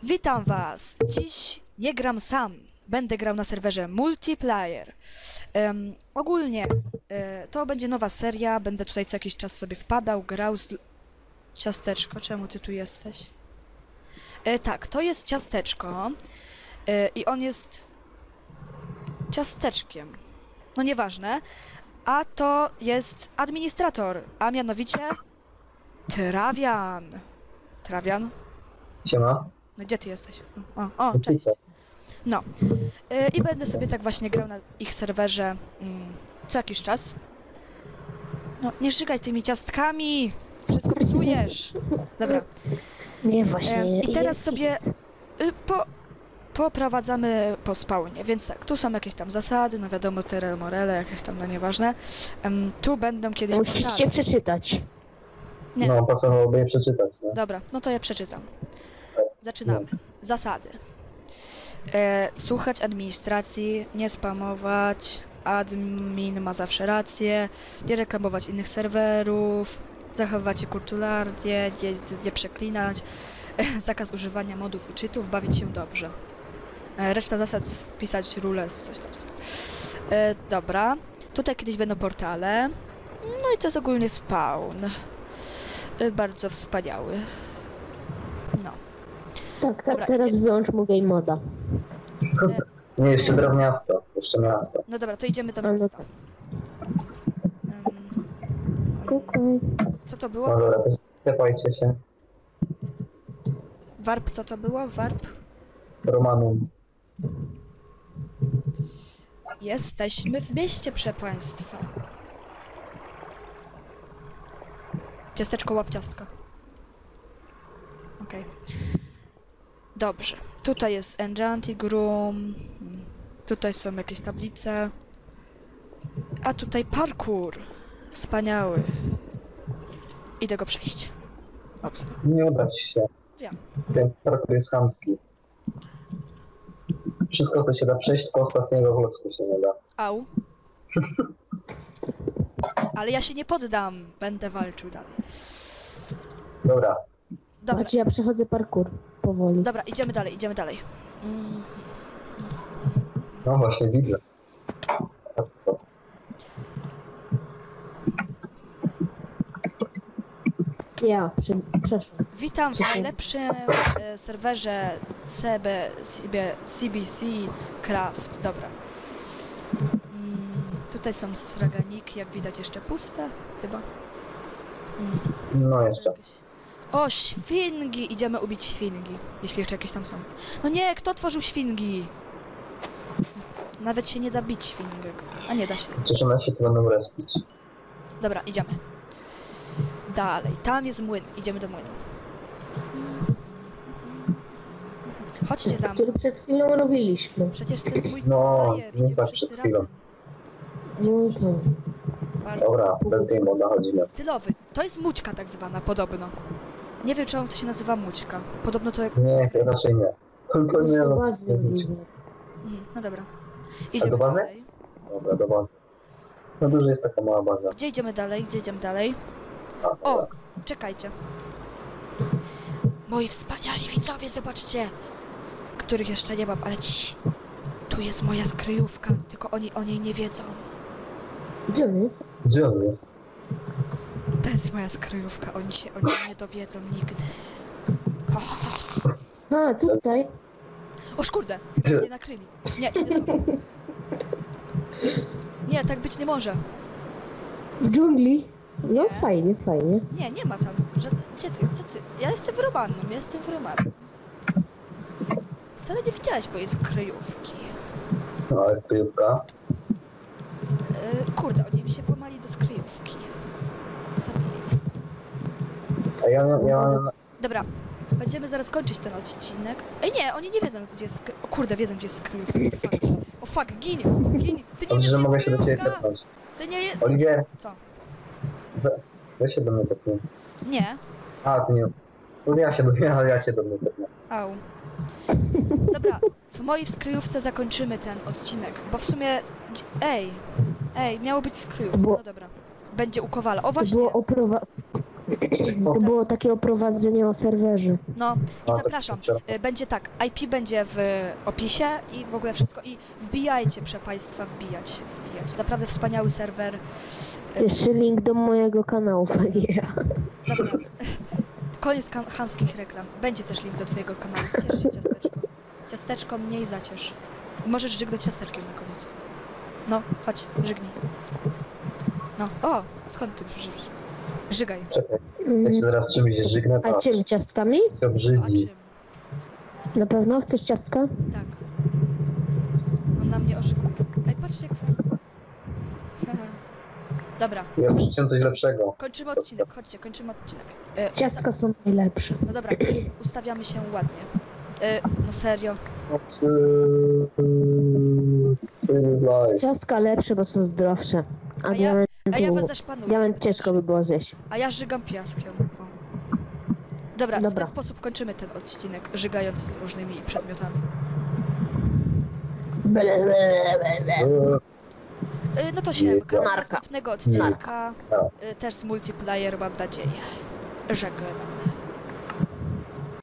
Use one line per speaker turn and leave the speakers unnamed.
Witam was! Dziś nie gram sam. Będę grał na serwerze multiplayer. Ogólnie to będzie nowa seria. Będę tutaj co jakiś czas sobie wpadał, grał z... Ciasteczko, czemu ty tu jesteś? Tak, to jest ciasteczko. I on jest... ciasteczkiem. No nieważne. A to jest administrator, a mianowicie... Trawian. Trawian?
Siema.
No gdzie ty jesteś? O, cześć. No. I będę sobie tak właśnie grał na ich serwerze co jakiś czas. No, nie żygaj tymi ciastkami! Wszystko psujesz! Dobra.
Nie, właśnie.
I teraz sobie poprowadzamy po spawnie, więc tak, tu są jakieś tam zasady, no wiadomo, Tyrell Morele, jakieś tam, no nieważne. Tu będą kiedyś
Musicie
portale.
przeczytać.
Nie.
No, pasowałoby je przeczytać, nie?
Dobra, no to ja przeczytam. Zaczynamy. Zasady. Słuchać administracji, nie spamować, admin ma zawsze rację, nie reklamować innych serwerów, zachowywać się kulturalnie, nie przeklinać, zakaz używania modów i cheatów, bawić się dobrze. Reszta zasad wpisać rules, coś tam. Dobra, tutaj kiedyś będą portale, no i to jest ogólnie spawn. Bardzo wspaniały. No.
Tak,
Dobra,
teraz
idziemy.
wyłącz mu game moda.
Nie, jeszcze teraz miasto. Jeszcze miasto.
No dobra, to idziemy do
A, no
miasta.
tak. Okej.
Co to
No
było?
dobra, to sklepajcie się.
Warp, co to było? Warp?
Romanum.
Jesteśmy w mieście, proszę państwa. Ciasteczko, łap ciastka. Okej. Dobrze. Tutaj jest Enchanting Room. Tutaj są jakieś tablice. A tutaj parkour. Wspaniały. Idę go przejść. Ops.
Nie uda ci się.
Wiem.
Ten parkour jest chamski. Wszystko to się da przejść, tylko ostatniego klocku się nie da.
Au. Ale ja się nie poddam. Będę walczył dalej.
Dobra.
Dobra,
Patrz, ja przechodzę parkour powoli.
dobra, idziemy dalej, idziemy dalej.
No właśnie, widzę. Tak, co?
Ja przeszłam.
Witam w najlepszym serwerze CBC Craft. Dobra. Tutaj są straganiki, jak widać jeszcze puste, chyba.
No jeszcze.
O, świngi! Idziemy ubić świngi, jeśli jeszcze jakieś tam są. No nie, kto tworzył świngi? Nawet się nie da bić świngek. A nie da się.
Przecież one się tu będą respić.
Dobra, idziemy. Dalej, tam jest młyn. Idziemy do młynu. Chodźcie za mną.
Który przed chwilą robiliśmy.
Przecież to jest mój
No,
bajer.
nie
Idziemy
tak
wszyscy
przed chwilą.
razem.
No to.
Bardzo
Dobra, bez game moda chodzimy.
stylowy. To jest mućka tak zwana, podobno. Nie wiem, czemu to się nazywa mućka. Podobno to jak...
Nie, raczej nie. To nie,
Do
no.
bazy mówię.
No dobra. Idziemy
do bazy?
dalej.
Dobra, do bazy. No dużo jest taka mała baza.
Gdzie idziemy dalej? Gdzie idziemy dalej?
A,
O,
dobra.
czekajcie. Moi wspaniali widzowie, zobaczcie. Których jeszcze nie mam, ale ci. Tu jest moja skryjówka, tylko oni o niej nie wiedzą.
Gdzie on jest?
Gdzie on jest?
To jest moja skryjówka, oni nie dowiedzą nigdy.
A, tutaj.
O szkurde,
Gdzie?
mnie nakryli. Nie, idę za tobą. Nie, tak być nie może.
W dżungli. No
Nie.
fajnie, fajnie.
Nie, nie ma tam. Gdzie ty? Co ty? Ja jestem w Romanum, ja jestem w Romanum. Wcale nie widziałeś mojej skryjówki.
No, ale kryjówka.
Kurde, oni mi się włamali do skryjówki. Zabili.
A ja mam...
Dobra, będziemy zaraz kończyć ten odcinek. Ej nie, oni nie wiedzą gdzie jest O kurde, wiedzą gdzie jest skryjówka. O fuck, gin! Ty nie
Dobrze,
wiesz
że
gdzie
mogę
jest
się do ciebie
skryjówka!
tepnąć.
Ty nie...
Oliwier,
Co?
weź się do mnie tepnij.
Nie.
A, ty nie... No ja się do mnie tepnę.
Au. Dobra, w mojej skryjówce zakończymy ten odcinek, bo w sumie... Ej, miało być skryjówka,
Było-
no dobra. Będzie u Kowala. O
To
właśnie,
było To było takie oprowadzenie o serwerze.
No i
A,
zapraszam.
to
Będzie tak, IP będzie w opisie i w ogóle wszystko. I wbijajcie, proszę Państwa, wbijać. Naprawdę wspaniały serwer.
Jeszcze link do mojego kanału, fajnie.
Dobra. Koniec chamskich reklam. Będzie też link do Twojego kanału. Ciesz się, ciasteczko. Ciasteczko mniej zaciesz. Możesz żygnąć ciasteczkiem na koniec. No, chodź, żygnij. No, o, skąd ty przyszedłeś? Żygaj.
Czekaj, jak się zaraz czymś żygnę,
A
patrz,
czym? Ciastkami?
się
A
obrzydzi.
czym?
Na pewno? Chcesz ciastka?
Tak. On na mnie oszukuje. Ej, patrzcie jak fajnie. Dobra,
Ja muszę coś lepszego.
kończymy odcinek. Chodźcie, kończymy odcinek.
Ciastka są najlepsze.
No dobra, ustawiamy się ładnie. No serio.
Ciastka lepsze, bo są zdrowsze. A
A ja
diamentu...
was zaszpanuję.
Diament ciężko by było zjeść.
A ja żygam piaskiem. O. Dobra, w
Dobra.
ten sposób kończymy ten odcinek, żygając różnymi przedmiotami. No to się do
Narka.
następnego odcinka, też z multiplayer, mam nadzieję. Żegnam.